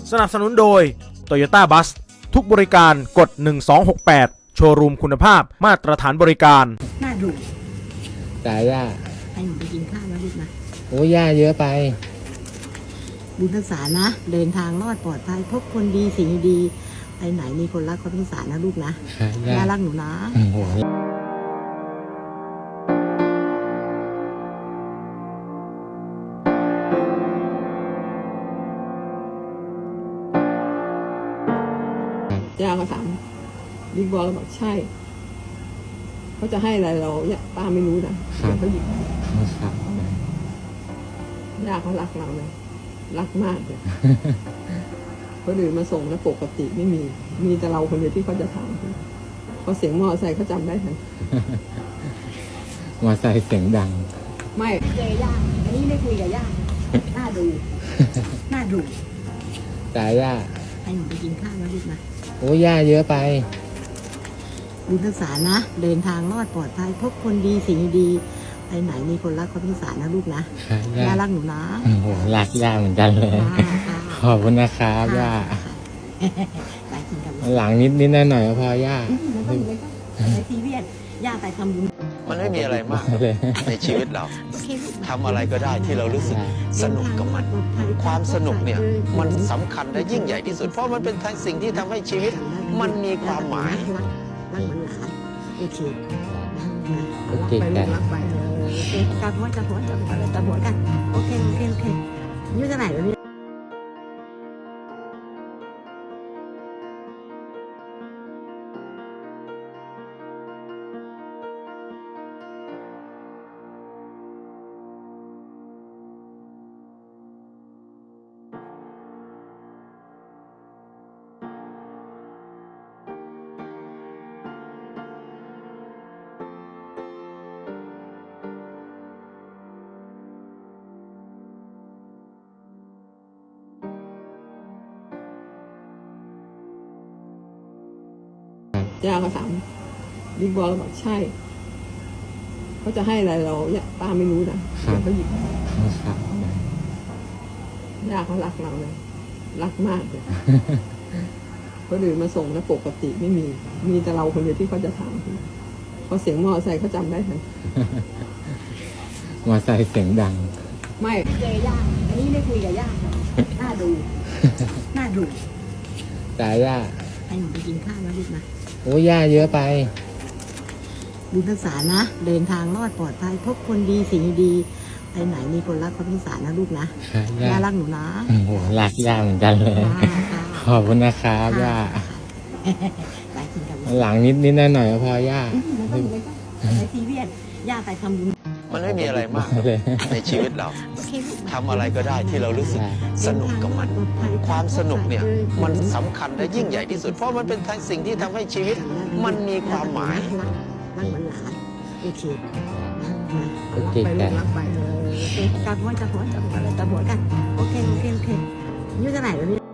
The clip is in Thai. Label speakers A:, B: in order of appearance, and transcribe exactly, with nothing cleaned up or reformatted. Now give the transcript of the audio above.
A: สนับสนุนโดย Toyota Bus ทุกบริการกดหนึ่งสองหกแปดโชว์รูมคุณภาพมาตรฐานบริการ
B: น่าดู
C: จ่าย่า
B: ให้หนูไปกินข้าวนะลูกนะ
C: โอ้ย่าเยอะไป
B: บุญทักษานะเดินทางรอดปลอดภัยพบคนดีสิ่งดีไปไหนมีคนรักคนสงสารนะลูกนะย่ารักหนูนะ
D: ย่าก็ถามบิ๊กบอลเราบอกใช่เขาจะให้อะไรเราเนี่ยป้าไม่รู้นะเขาหยิบย่าเขารักเราเลยรักมากเลยคนอื่นมาส่งแล้วปกติไม่มีมีแต่เราคนเดียวที่เขาจะถามพอเสียงมอไซค์เขาจำได้ทัน
C: มอไซค์เสียงดัง
D: ไม่
B: เจอย่าอันนี้ได้คุยกับย่าน่าดูน่าดู
C: จ่าย่า
B: ให้หนูไปกินข้าวนะลูกนะ
C: โอ้ย่าเยอะไป
B: บุญทักษานะเดินทางรอดปลอดภัยพบคนดีสิ่งดีไปไหนมีคนรักคนสงสารนะลูกนะย่ารักหนูนะ
C: โอ้โหรักย่าเหมือนกันเลยขอบคุณนะครับย่าหลังนิดนิดหน่อยหน่อยพอย่า
B: ในทีวีย่าไปทำบุญ
E: มันไม่มีอะไรมากในชีวิตเราทำอะไรก็ได้ที่เรารู้สึกสนุกกับมันความสนุกเนี่ยมันสำคัญและยิ่งใหญ่ที่สุดเพราะมันเป็นสิ่งที่ทำให้ชีวิตมันมีความหมาย
B: รักเหมือนหลานโอเค
C: โอเคกัน
B: กับหัวกับหัวกับหัวกับหัวกันโอเคโอเคโอเคอายุเท่าไหร่แล้วเนี่ย
D: ย่าก็ถามบิ๊กบอลเราบอกใช่เขาจะให้อะไรเราเนี่ยป้าไม่รู้นะเขาหยิบย่าเขารักเราเลยรักมากเลยคนอื่นมาส่งแล้วปกติไม่มีมีแต่เราคนเดียวที่เขาจะถามพอเสียงมอไซค์เขาจำได้ทัน
C: มอไซค์เสียงดัง
D: ไม่
B: เจอย่าอันนี้ได้คุยกับย่าน่าดูน่าดู
C: จ่าย่า
B: ให้หนูไปกินข้าวนะลูกนะ
C: โอ้ย่าเยอะไป
B: บุญทักษานะเดินทางรอดปลอดภัยพบคนดีสิ่งดีไปไหนมีคนรักคนสงสารนะลูกนะย่ารักหนูนะ
C: โอ้โหรักย่าเหมือนกันเลยขอบคุณนะครับย่าหลังนิดนิดหน่อยหน่อยพอย่า
B: ในทีวีย่าไปทำบุญ
E: มันไม่มีอะไรมากในชีวิตเราทำอะไรก็ได้ที่เรารู้สึกสนุกกับมันความสนุกเนี่ยมันสำคัญและยิ่งใหญ่ที่สุดเพราะมันเป็นสิ่งที่ทำให้ชีวิตมันมีความหมาย
B: รักเหมือนหลานโอเค
C: โอเคกัน
B: กับหัวกับหัวกับหัวกับหัวกันโอเคโอเคโอเคอายุเท่าไหร่แล้วเนี่ย